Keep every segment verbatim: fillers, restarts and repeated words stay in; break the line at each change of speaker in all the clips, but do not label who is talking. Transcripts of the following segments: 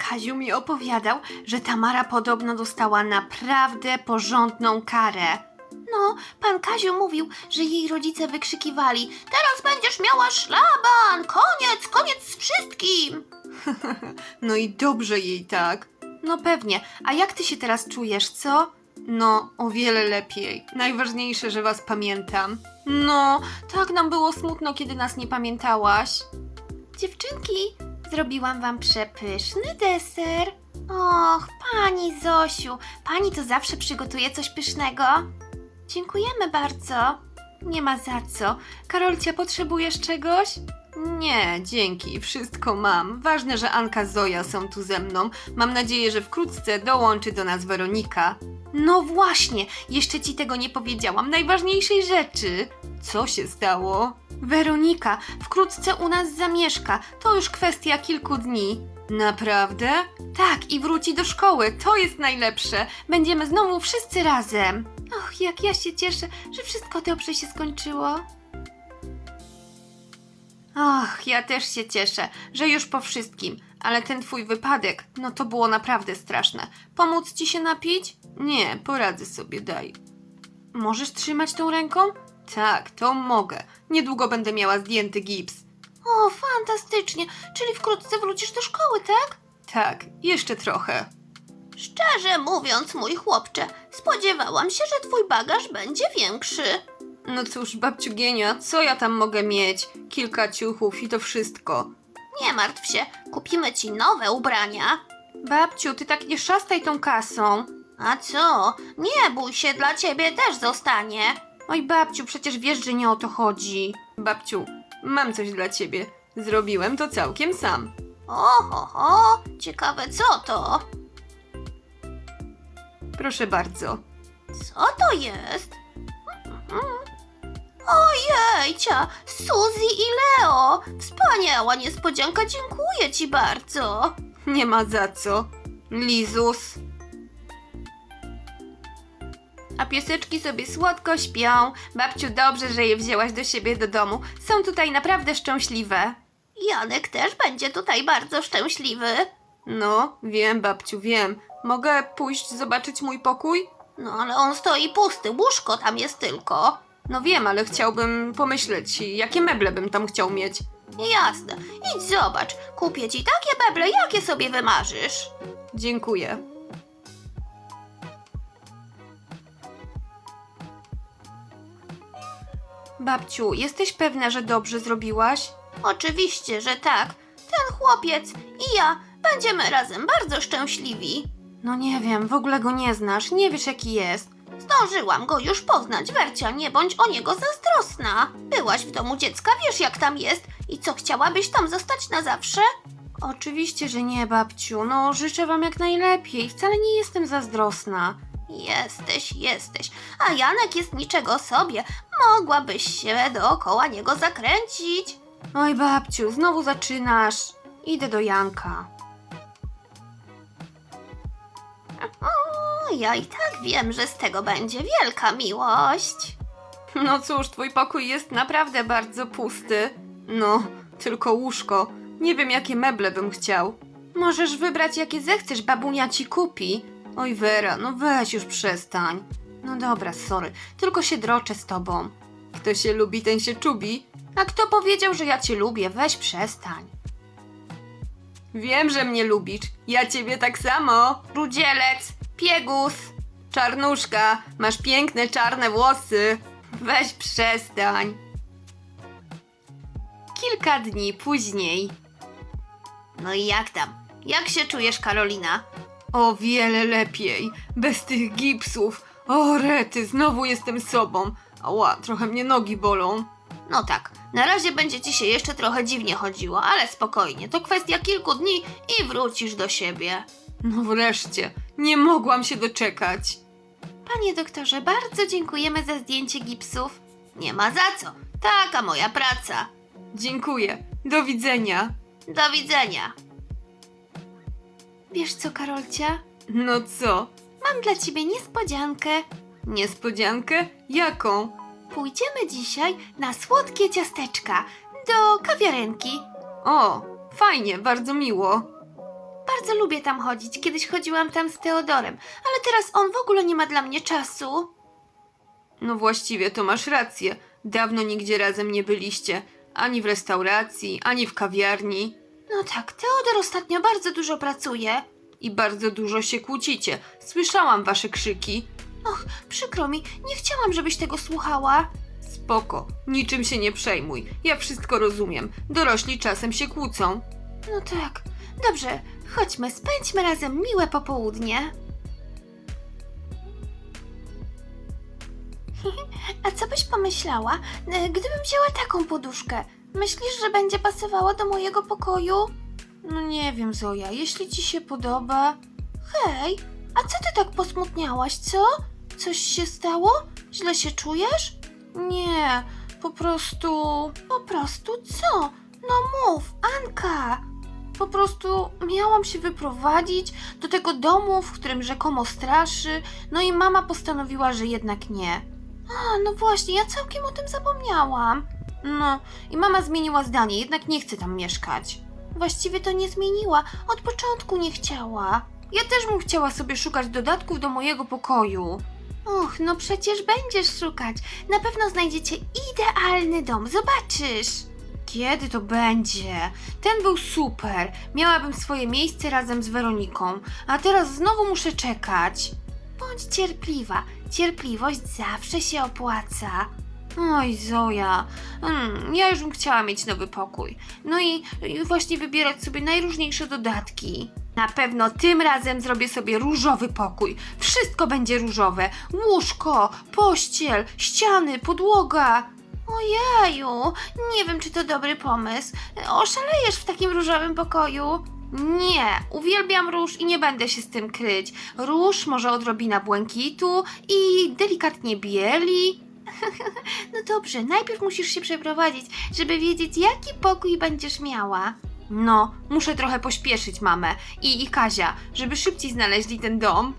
Kaziu mi opowiadał, że Tamara podobno dostała naprawdę porządną karę. No, pan Kaziu mówił, że jej rodzice wykrzykiwali: teraz będziesz miała szlaban! Koniec, koniec z wszystkim! No i dobrze jej tak. No pewnie. A jak ty się teraz czujesz, co? No, o wiele lepiej. Najważniejsze, że was pamiętam. No, tak nam było smutno, kiedy nas nie pamiętałaś. Dziewczynki, zrobiłam wam przepyszny deser. Och, pani Zosiu, pani to zawsze przygotuje coś pysznego. Dziękujemy bardzo. Nie ma za co. Karolcia, potrzebujesz czegoś? Nie, dzięki, wszystko mam. Ważne, że Anka, Zoja są tu ze mną. Mam nadzieję, że wkrótce dołączy do nas Weronika. No właśnie, jeszcze ci tego nie powiedziałam, najważniejszej rzeczy. Co się stało? Weronika wkrótce u nas zamieszka, to już kwestia kilku dni. Naprawdę? Tak, i wróci do szkoły, to jest najlepsze. Będziemy znowu wszyscy razem. Och, jak ja się cieszę, że wszystko dobrze się skończyło. Och, ja też się cieszę, że już po wszystkim, ale ten twój wypadek, no to było naprawdę straszne. Pomóc ci się napić? Nie, poradzę sobie, daj. Możesz trzymać tą ręką? Tak, to mogę. Niedługo będę miała zdjęty gips. O, fantastycznie, czyli wkrótce wrócisz do szkoły, tak? Tak, jeszcze trochę. Szczerze mówiąc, mój chłopcze, spodziewałam się, że twój bagaż będzie większy. No cóż, babciu Gienia, co ja tam mogę mieć? Kilka ciuchów i to wszystko. Nie martw się, kupimy ci nowe ubrania. Babciu, ty tak nie szastaj tą kasą. A co? Nie bój się, dla ciebie też zostanie. Oj babciu, przecież wiesz, że nie o to chodzi. Babciu, mam coś dla ciebie. Zrobiłem to całkiem sam. Oho, ciekawe co to? Proszę bardzo. Co to jest? Ojejcia, Suzy i Leo! Wspaniała niespodzianka, dziękuję ci bardzo. Nie ma za co. Lizus. A pieseczki sobie słodko śpią. Babciu, dobrze, że je wzięłaś do siebie do domu. Są tutaj naprawdę szczęśliwe. Janek też będzie tutaj bardzo szczęśliwy. No, wiem, babciu, wiem. Mogę pójść zobaczyć mój pokój? No, ale on stoi pusty, łóżko tam jest tylko. No wiem, ale chciałbym pomyśleć, jakie meble bym tam chciał mieć. Jasne, idź zobacz. Kupię ci takie meble, jakie sobie wymarzysz. Dziękuję. Babciu, jesteś pewna, że dobrze zrobiłaś? Oczywiście, że tak. Ten chłopiec i ja będziemy razem bardzo szczęśliwi. No nie wiem, w ogóle go nie znasz, nie wiesz jaki jest. Zdążyłam go już poznać, Wercia, nie bądź o niego zazdrosna. Byłaś w domu dziecka, wiesz jak tam jest i co, chciałabyś tam zostać na zawsze? Oczywiście, że nie, babciu, no życzę wam jak najlepiej, wcale nie jestem zazdrosna. Jesteś, jesteś, a Janek jest niczego sobie, mogłabyś się dookoła niego zakręcić. Oj babciu, znowu zaczynasz. Idę do Janka. O, ja i tak wiem, że z tego będzie wielka miłość. No cóż, twój pokój jest naprawdę bardzo pusty. No, tylko łóżko. Nie wiem, jakie meble bym chciał. Możesz wybrać, jakie zechcesz, babunia ci kupi. Oj Wera, no weź już przestań. No dobra, sorry, tylko się droczę z tobą. Kto się lubi, ten się czubi. A kto powiedział, że ja cię lubię? Weź przestań. Wiem, że mnie lubisz. Ja ciebie tak samo. Rudzielec, piegus, czarnuszka, masz piękne czarne włosy. Weź przestań. Kilka dni później. No i jak tam? Jak się czujesz, Karolina? O wiele lepiej. Bez tych gipsów. O rety, znowu jestem sobą. Ała, trochę mnie nogi bolą. No tak, na razie będzie ci się jeszcze trochę dziwnie chodziło, ale spokojnie, to kwestia kilku dni i wrócisz do siebie. No wreszcie, nie mogłam się doczekać. Panie doktorze, bardzo dziękujemy za zdjęcie gipsów. Nie ma za co, taka moja praca. Dziękuję, do widzenia. Do widzenia. Wiesz co, Karolcia? No co? Mam dla ciebie niespodziankę. Niespodziankę? Jaką? Pójdziemy dzisiaj na słodkie ciasteczka do kawiarenki. O, fajnie, bardzo miło. Bardzo lubię tam chodzić. Kiedyś chodziłam tam z Teodorem, ale teraz on w ogóle nie ma dla mnie czasu.
No właściwie to masz rację. Dawno nigdzie razem nie byliście. Ani w restauracji, ani w kawiarni.
No tak, Teodor ostatnio bardzo dużo pracuje.
I bardzo dużo się kłócicie. Słyszałam wasze krzyki.
Och, przykro mi, nie chciałam, żebyś tego słuchała.
Spoko, niczym się nie przejmuj. Ja wszystko rozumiem. Dorośli czasem się kłócą.
No tak. Dobrze, chodźmy, spędźmy razem miłe popołudnie. A co byś pomyślała, e, gdybym wzięła taką poduszkę? Myślisz, że będzie pasowała do mojego pokoju?
No nie wiem, Zoja, jeśli ci się podoba...
Hej, a co ty tak posmutniałaś, co? Coś się stało? Źle się czujesz?
Nie, po prostu...
Po prostu co? No mów, Anka!
Po prostu miałam się wyprowadzić do tego domu, w którym rzekomo straszy, no i mama postanowiła, że jednak nie.
A, no właśnie, ja całkiem o tym zapomniałam.
No, i mama zmieniła zdanie, jednak nie chce tam mieszkać.
Właściwie to nie zmieniła, od początku nie chciała.
Ja też bym chciała sobie szukać dodatków do mojego pokoju.
Och, no przecież będziesz szukać. Na pewno znajdziecie idealny dom, zobaczysz.
Kiedy to będzie? Ten był super. Miałabym swoje miejsce razem z Weroniką, a teraz znowu muszę czekać.
Bądź cierpliwa. Cierpliwość zawsze się opłaca.
Oj, Zoja, mm, ja już bym chciała mieć nowy pokój. No i, i właśnie wybierać sobie najróżniejsze dodatki. Na pewno tym razem zrobię sobie różowy pokój. Wszystko będzie różowe. Łóżko, pościel, ściany, podłoga.
Ojeju, nie wiem, czy to dobry pomysł. Oszalejesz w takim różowym pokoju.
Nie, uwielbiam róż i nie będę się z tym kryć. Róż, może odrobina błękitu i delikatnie bieli.
No dobrze, najpierw musisz się przeprowadzić, żeby wiedzieć, jaki pokój będziesz miała.
No, muszę trochę pośpieszyć mamę i, i Kazia, żeby szybciej znaleźli ten dom.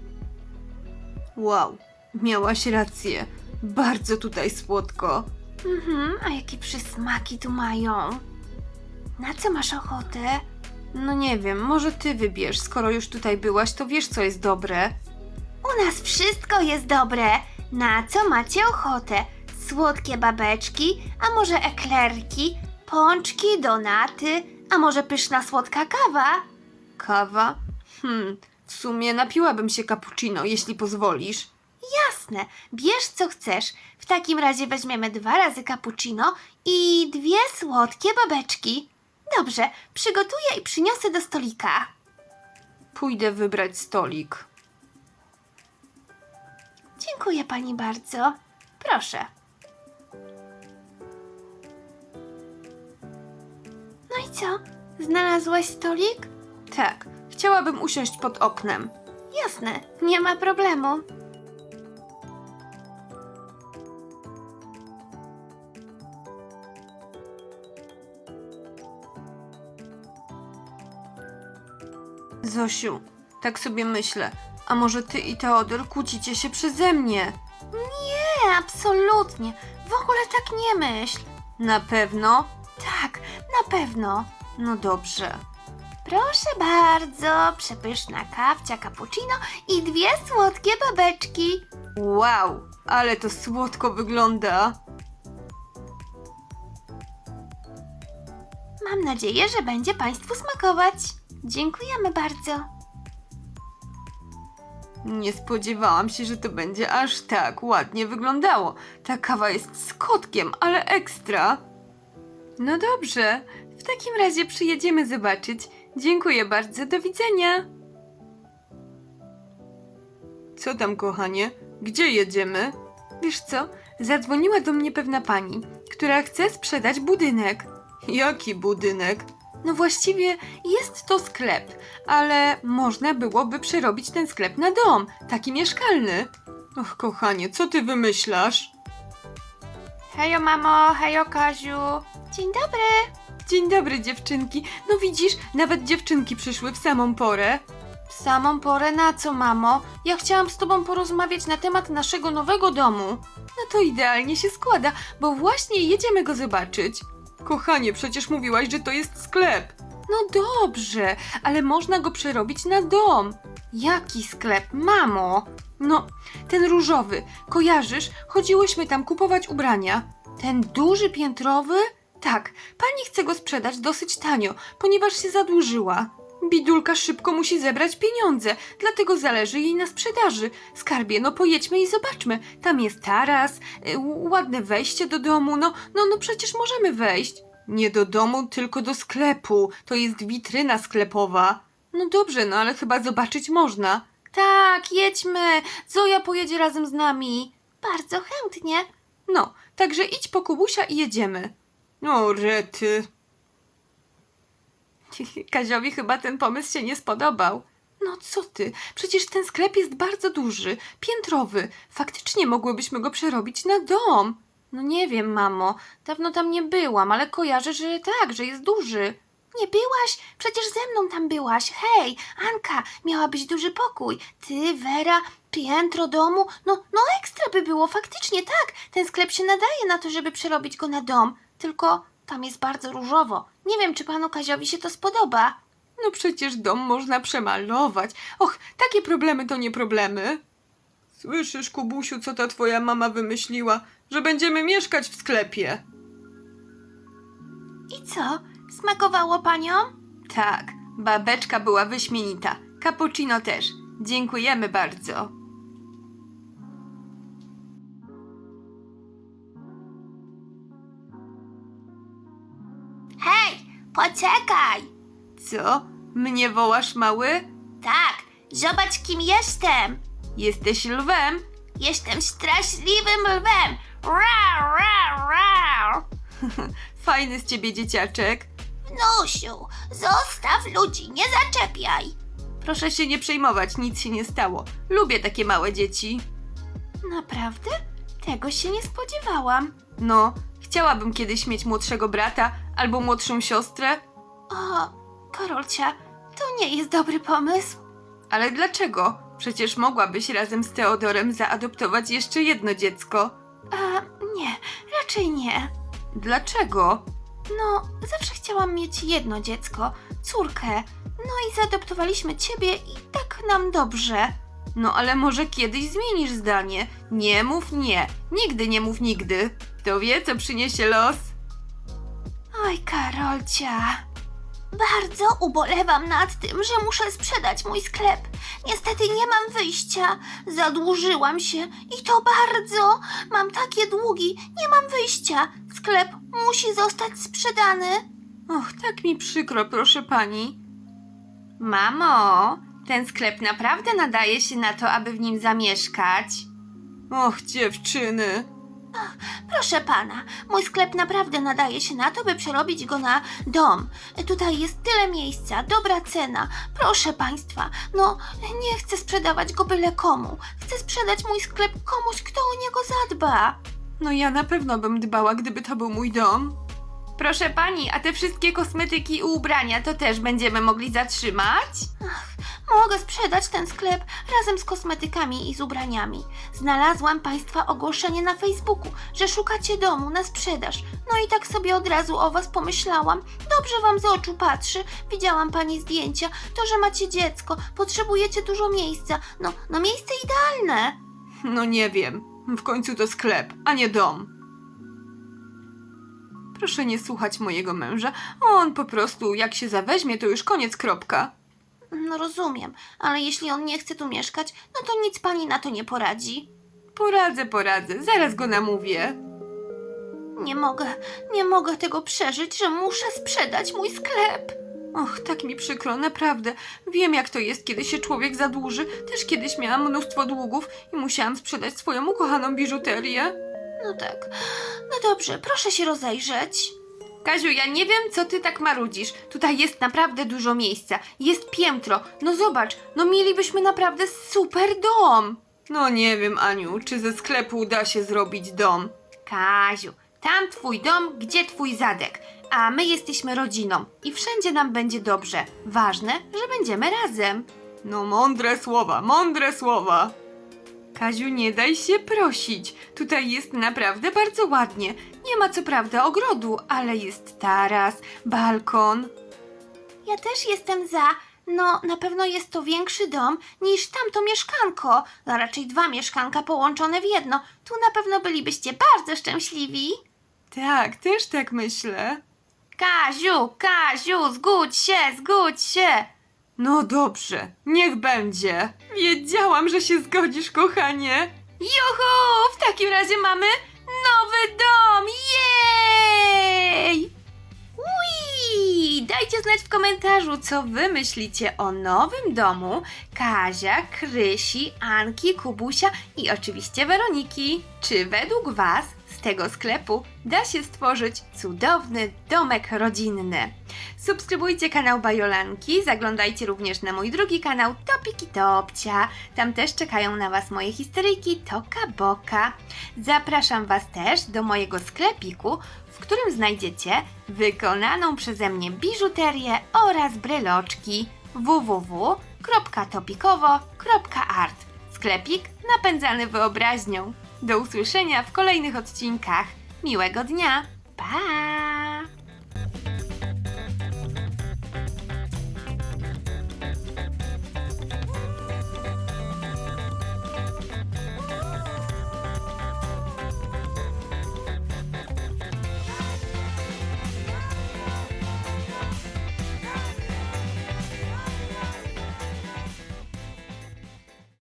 Wow, miałaś rację. Bardzo tutaj słodko.
Mhm, a jakie przysmaki tu mają. Na co masz ochotę?
No nie wiem, może ty wybierz, skoro już tutaj byłaś, to wiesz, co jest dobre.
U nas wszystko jest dobre. Na co macie ochotę? Słodkie babeczki, a może eklerki, pączki, donaty, a może pyszna słodka kawa?
Kawa? Hmm, w sumie napiłabym się cappuccino, jeśli pozwolisz.
Jasne, bierz co chcesz. W takim razie weźmiemy dwa razy cappuccino i dwie słodkie babeczki. Dobrze, przygotuję i przyniosę do stolika.
Pójdę wybrać stolik.
Dziękuję pani bardzo. Proszę. No i co? Znalazłaś stolik?
Tak, chciałabym usiąść pod oknem.
Jasne, nie ma problemu.
Zosiu, tak sobie myślę, a może ty i Teodor kłócicie się przeze mnie?
Nie, absolutnie. W ogóle tak nie myśl.
Na pewno?
Tak, na pewno.
No dobrze.
Proszę bardzo, przepyszna kawcia cappuccino i dwie słodkie babeczki.
Wow, ale to słodko wygląda.
Mam nadzieję, że będzie państwu smakować. Dziękujemy bardzo.
Nie spodziewałam się, że to będzie aż tak ładnie wyglądało. Ta kawa jest z kotkiem, ale ekstra. No dobrze, w takim razie przyjedziemy zobaczyć. Dziękuję bardzo, do widzenia. Co tam, kochanie? Gdzie jedziemy? Wiesz co, zadzwoniła do mnie pewna pani, która chce sprzedać budynek. Jaki budynek? No właściwie jest to sklep, ale można byłoby przerobić ten sklep na dom, taki mieszkalny. Och, kochanie, co ty wymyślasz?
Hejo mamo, hejo Kaziu. Dzień dobry.
Dzień dobry, dziewczynki. No widzisz, nawet dziewczynki przyszły w samą porę. W samą porę na co, mamo? Ja chciałam z tobą porozmawiać na temat naszego nowego domu. No to idealnie się składa, bo właśnie jedziemy go zobaczyć. Kochanie, przecież mówiłaś, że to jest sklep. No dobrze, ale można go przerobić na dom.
Jaki sklep, mamo?
No, ten różowy. Kojarzysz? Chodziłyśmy tam kupować ubrania.
Ten duży piętrowy?
Tak, pani chce go sprzedać dosyć tanio, ponieważ się zadłużyła. Bidulka szybko musi zebrać pieniądze, dlatego zależy jej na sprzedaży. Skarbie, no pojedźmy i zobaczmy. Tam jest taras, y, ładne wejście do domu, no, no, no przecież możemy wejść. Nie do domu, tylko do sklepu. To jest witryna sklepowa. No dobrze, no ale chyba zobaczyć można.
Tak, jedźmy. Zoja pojedzie razem z nami. Bardzo chętnie.
No, także idź po Kubusia i jedziemy. O, rety. Kaziowi chyba ten pomysł się nie spodobał. No co ty, przecież ten sklep jest bardzo duży, piętrowy. Faktycznie mogłybyśmy go przerobić na dom.
No nie wiem, mamo. Dawno tam nie byłam, ale kojarzę, że tak, że jest duży. Nie byłaś? Przecież ze mną tam byłaś. Hej, Anka, miała być duży pokój. Ty, Wera, piętro domu. No, no ekstra by było, faktycznie tak. Ten sklep się nadaje na to, żeby przerobić go na dom. Tylko tam jest bardzo różowo. Nie wiem, czy panu Kaziowi się to spodoba.
No przecież dom można przemalować. Och, takie problemy to nie problemy. Słyszysz, Kubusiu, co ta twoja mama wymyśliła? Że będziemy mieszkać w sklepie.
I co? Smakowało paniom?
Tak, babeczka była wyśmienita. Cappuccino też. Dziękujemy bardzo.
Hej, poczekaj!
Co? Mnie wołasz, mały?
Tak, zobacz, kim jestem.
Jesteś lwem?
Jestem straszliwym lwem. Rau, rau, rau.
Fajny z ciebie dzieciaczek.
Wnusiu, zostaw ludzi, nie zaczepiaj.
Proszę się nie przejmować, nic się nie stało. Lubię takie małe dzieci.
Naprawdę? Tego się nie spodziewałam.
No, chciałabym kiedyś mieć młodszego brata albo młodszą siostrę.
O, Karolcia, to nie jest dobry pomysł.
Ale dlaczego? Przecież mogłabyś razem z Teodorem zaadoptować jeszcze jedno dziecko.
A, nie, raczej nie.
Dlaczego?
No, zawsze chciałam mieć jedno dziecko, córkę. No i zaadoptowaliśmy ciebie i tak nam dobrze.
No ale może kiedyś zmienisz zdanie. Nie mów nie. Nigdy nie mów nigdy. Kto wie, co przyniesie los?
Oj, Karolcia. Bardzo ubolewam nad tym, że muszę sprzedać mój sklep. Niestety nie mam wyjścia. Zadłużyłam się i to bardzo. Mam takie długi, nie mam wyjścia. Sklep musi zostać sprzedany.
Och, tak mi przykro, proszę pani.
Mamo, ten sklep naprawdę nadaje się na to, aby w nim zamieszkać.
Och, dziewczyny.
Proszę pana, mój sklep naprawdę nadaje się na to, by przerobić go na dom. Tutaj jest tyle miejsca, dobra cena. Proszę państwa, no nie chcę sprzedawać go byle komu. Chcę sprzedać mój sklep komuś, kto o niego zadba.
No ja na pewno bym dbała, gdyby to był mój dom.
Proszę pani, a te wszystkie kosmetyki i ubrania to też będziemy mogli zatrzymać? Ach, mogę sprzedać ten sklep razem z kosmetykami i z ubraniami. Znalazłam państwa ogłoszenie na Facebooku, że szukacie domu na sprzedaż. No i tak sobie od razu o was pomyślałam. Dobrze wam z oczu patrzy. Widziałam pani zdjęcia. To, że macie dziecko, potrzebujecie dużo miejsca. No, no miejsce idealne.
No nie wiem. W końcu to sklep, a nie dom. Proszę nie słuchać mojego męża. On po prostu, jak się zaweźmie, to już koniec, kropka.
No rozumiem, ale jeśli on nie chce tu mieszkać, no to nic pani na to nie poradzi.
Poradzę, poradzę. Zaraz go namówię.
Nie mogę, nie mogę tego przeżyć, że muszę sprzedać mój sklep.
Och, tak mi przykro, naprawdę. Wiem, jak to jest, kiedy się człowiek zadłuży. Też kiedyś miałam mnóstwo długów i musiałam sprzedać swoją ukochaną biżuterię.
No tak, no dobrze, proszę się rozejrzeć.
Kaziu, ja nie wiem, co ty tak marudzisz. Tutaj jest naprawdę dużo miejsca. Jest piętro. No zobacz, no mielibyśmy naprawdę super dom. No nie wiem, Aniu, czy ze sklepu da się zrobić dom.
Kaziu, tam twój dom, gdzie twój zadek. A my jesteśmy rodziną i wszędzie nam będzie dobrze. Ważne, że będziemy razem.
No mądre słowa, mądre słowa. Kaziu, nie daj się prosić. Tutaj jest naprawdę bardzo ładnie. Nie ma co prawda ogrodu, ale jest taras, balkon.
Ja też jestem za. No, na pewno jest to większy dom niż tamto mieszkanko. No, raczej dwa mieszkanka połączone w jedno. Tu na pewno bylibyście bardzo szczęśliwi.
Tak, też tak myślę.
Kaziu, Kaziu, zgódź się, zgódź się.
No dobrze, niech będzie. Wiedziałam, że się zgodzisz, kochanie.
Juhu! W takim razie mamy nowy dom! Jej! Ui! Dajcie znać w komentarzu, co wy myślicie o nowym domu Kazia, Krysi, Anki, Kubusia i oczywiście Weroniki. Czy według was z tego sklepu da się stworzyć cudowny domek rodzinny? Subskrybujcie kanał Bajolanki, zaglądajcie również na mój drugi kanał Topiki Topcia. Tam też czekają na was moje historyjki Toka Boka. Zapraszam was też do mojego sklepiku, w którym znajdziecie wykonaną przeze mnie biżuterię oraz bryloczki w w w kropka topikowo kropka art. Sklepik napędzany wyobraźnią. Do usłyszenia w kolejnych odcinkach. Miłego dnia. Pa!